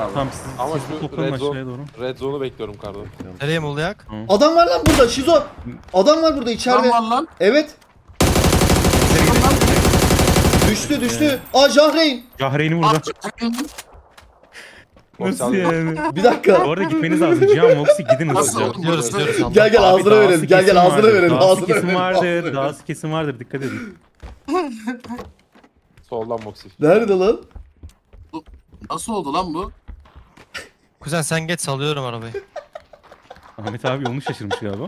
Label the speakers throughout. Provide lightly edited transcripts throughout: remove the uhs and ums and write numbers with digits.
Speaker 1: abi.
Speaker 2: Tamam
Speaker 3: Ama
Speaker 2: siz
Speaker 3: şu
Speaker 2: toplanın
Speaker 3: red zone-
Speaker 2: aşağıya doğru.
Speaker 3: Red zone'u bekliyorum kardan.
Speaker 4: Nereye Mulyak?
Speaker 5: Adam var lan burada Şizo. Adam var burada içeride.
Speaker 1: Lan var lan.
Speaker 5: Evet. Düştü. Aa Jahreyn.
Speaker 2: Gahreyn'i burada.
Speaker 3: Boks
Speaker 2: Nasıl
Speaker 3: abi.
Speaker 2: yani?
Speaker 5: Bir dakika.
Speaker 2: Bu arada gitmeniz lazım. Cihan Moxie gidin
Speaker 1: Nasıl
Speaker 2: hızlıca.
Speaker 1: oğlum?
Speaker 4: Gidiyoruz.
Speaker 5: Gel
Speaker 2: Abi
Speaker 5: ağzına
Speaker 2: dağısı
Speaker 5: verelim. Gel
Speaker 2: kesin
Speaker 5: ağzına
Speaker 2: vardır,
Speaker 5: verelim.
Speaker 2: Dağısı
Speaker 5: Ağzına
Speaker 2: kesin
Speaker 5: verelim. ağzına
Speaker 2: vardır.
Speaker 5: verelim.
Speaker 2: Dağısı kesin vardır. Dikkat edin.
Speaker 3: Soldan Moxie.
Speaker 5: Nerede lan?
Speaker 1: Nasıl oldu lan bu?
Speaker 4: Kuzen sen geç salıyorum arabayı.
Speaker 2: Ahmet abi yolunu şaşırmış galiba.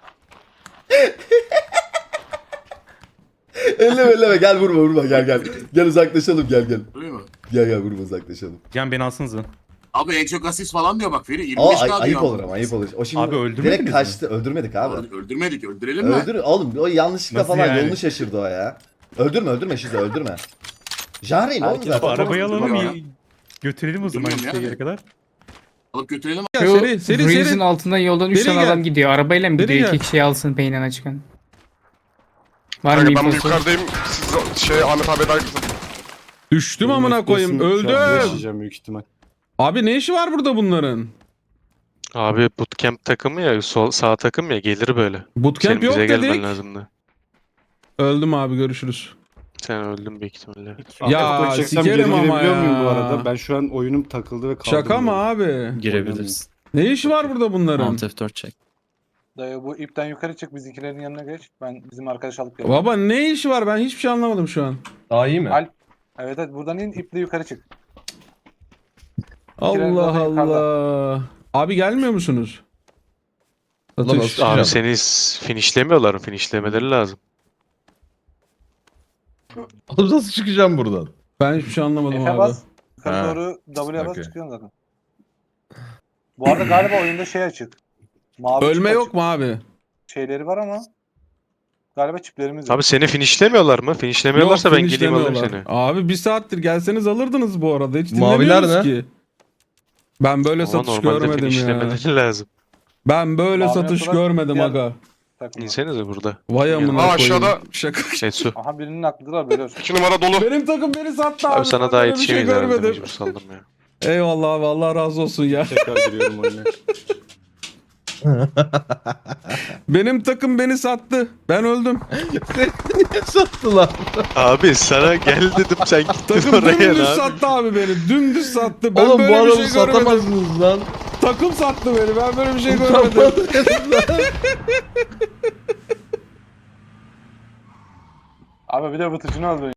Speaker 5: Elleme gel vurma gel. Gel uzaklaşalım gel.
Speaker 1: Öyle mi?
Speaker 5: Gel vurma uzaklaşalım.
Speaker 2: Cihan beni alsınıza.
Speaker 1: Abi en çok asist falan diyor bak Feri. 25
Speaker 5: Aa
Speaker 1: k diyor.
Speaker 5: ayıp olur ama ayıp olur. O şimdi
Speaker 2: Abi öldürmediniz
Speaker 5: direkt
Speaker 2: mi?
Speaker 5: kaçtı. Öldürmedik abi.
Speaker 1: Öldürmedik. Öldürelim mi?
Speaker 5: Öldür oğlum o yanlışlıkla
Speaker 2: Nasıl
Speaker 5: falan
Speaker 2: yani?
Speaker 5: yolunu şaşırdı o ya. Öldürme Şizo öldürme. Jahreyn oğlum
Speaker 3: Herkes
Speaker 2: Bu
Speaker 5: zaten.
Speaker 2: arabayı alalım
Speaker 1: ya.
Speaker 2: götürelim o zaman
Speaker 1: Bilmiyorum
Speaker 2: işte
Speaker 1: ya.
Speaker 2: yere kadar.
Speaker 1: Alıp götürelim.
Speaker 6: Ya
Speaker 7: Şu
Speaker 6: seri
Speaker 7: Breeze'in altından yoldan 3
Speaker 6: Seri
Speaker 7: tane
Speaker 6: gel.
Speaker 7: adam gidiyor. Arabayla mı
Speaker 6: Seri
Speaker 7: gidiyor?
Speaker 6: gel.
Speaker 7: 2 kişi alsın peynirine çıkan. Var mı
Speaker 8: Kanka ben
Speaker 7: infosu?
Speaker 8: yukarıdayım. Siz Ahmet abi eder kızım.
Speaker 6: Düştüm amına koyayım. Öldüm.
Speaker 3: Yaşayacağım büyük ihtimal.
Speaker 6: Abi ne işi var burada bunların?
Speaker 9: Abi bootcamp takımı ya, sağ takım ya gelir böyle.
Speaker 6: Bootcamp
Speaker 9: Senin
Speaker 6: yok
Speaker 9: bize gelmen
Speaker 6: dedik.
Speaker 9: lazımdı.
Speaker 6: Öldüm abi görüşürüz.
Speaker 9: Sen öldün büyük ihtimalle.
Speaker 6: Ya sikerim ama ya.
Speaker 3: bu arada? Ben şu an oyunum takıldı ve kaldım.
Speaker 6: Şaka mı abi?
Speaker 10: Girebiliriz.
Speaker 6: Ne işi var burada bunların?
Speaker 10: Alt F4 çek.
Speaker 11: Dayı bu ipten yukarı çık bizimkilerin yanına geç. Ben bizim arkadaş alıp geleyim.
Speaker 6: Baba ne işi var? Ben hiçbir şey anlamadım şu an.
Speaker 11: Daha iyi mi? Evet buradan in iple yukarı çık.
Speaker 6: Allah
Speaker 11: zaten yukarıda.
Speaker 6: Allah. Abi gelmiyor musunuz? Satış.
Speaker 9: Abi seni finishlemiyorlar mı? Finishlemeleri lazım.
Speaker 10: Oğlum nasıl çıkacağım buradan?
Speaker 6: Ben hiçbir şey anlamadım
Speaker 11: F'e
Speaker 6: abi.
Speaker 11: bas. Yukarı
Speaker 10: Ha.
Speaker 11: doğru W'ye bas
Speaker 10: Okey.
Speaker 11: çıkıyorsun zaten. Bu arada galiba oyunda şey açık. Mavi
Speaker 6: Ölme
Speaker 11: çip
Speaker 6: yok
Speaker 11: açık.
Speaker 6: mu abi?
Speaker 11: Şeyleri var ama galiba çiplerimiz yok.
Speaker 9: Abi seni finishlemiyorlar mı? Finishlemiyorlarsa
Speaker 6: Yok,
Speaker 9: ben gideyim alayım
Speaker 6: finishlemiyorlar.
Speaker 9: seni.
Speaker 6: Abi bir saattir gelseniz alırdınız bu arada. Hiç
Speaker 10: Maviler
Speaker 6: dinlemiyoruz
Speaker 10: ne?
Speaker 6: ki. Ben böyle
Speaker 9: Ama
Speaker 6: satış
Speaker 9: normalde
Speaker 6: görmedim ya.
Speaker 9: finishlemeleri lazım.
Speaker 6: Ben böyle
Speaker 11: Mavi
Speaker 6: satış
Speaker 11: yapılan
Speaker 6: görmedim
Speaker 11: diğer-
Speaker 6: aga.
Speaker 11: Takımda.
Speaker 9: İnsenize burada.
Speaker 6: Vay amına
Speaker 8: Aa,
Speaker 6: koyayım.
Speaker 8: aşağıda.
Speaker 6: Şaka.
Speaker 9: Etsu.
Speaker 11: Aha birinin aklıdır abi biliyorsun.
Speaker 8: 2 numara dolu.
Speaker 6: Benim takım beni sattı abi.
Speaker 9: Abi sana
Speaker 6: Ben
Speaker 9: daha
Speaker 6: böyle bir şey
Speaker 9: yetişemeyiz herhalde,
Speaker 6: görmedim.
Speaker 9: mecbur saldım ya.
Speaker 6: Eyvallah abi Allah razı olsun ya.
Speaker 3: Tekrar giriyorum oyuna.
Speaker 6: Benim takım beni sattı. Ben öldüm.
Speaker 10: Niye sattılar?
Speaker 9: Abi sana gel dedim sen gittin
Speaker 6: Takım
Speaker 9: oraya
Speaker 6: dümdüz
Speaker 9: lan.
Speaker 6: sattı abi beni. Dümdüz sattı. Ben
Speaker 10: Oğlum bu
Speaker 6: böyle bir
Speaker 10: adamı
Speaker 6: şey görmedim.
Speaker 10: satamazsınız lan.
Speaker 6: Takım sattı beni. Ben böyle bir şey görmedim.
Speaker 11: Abi bir de bıtıcını öldü.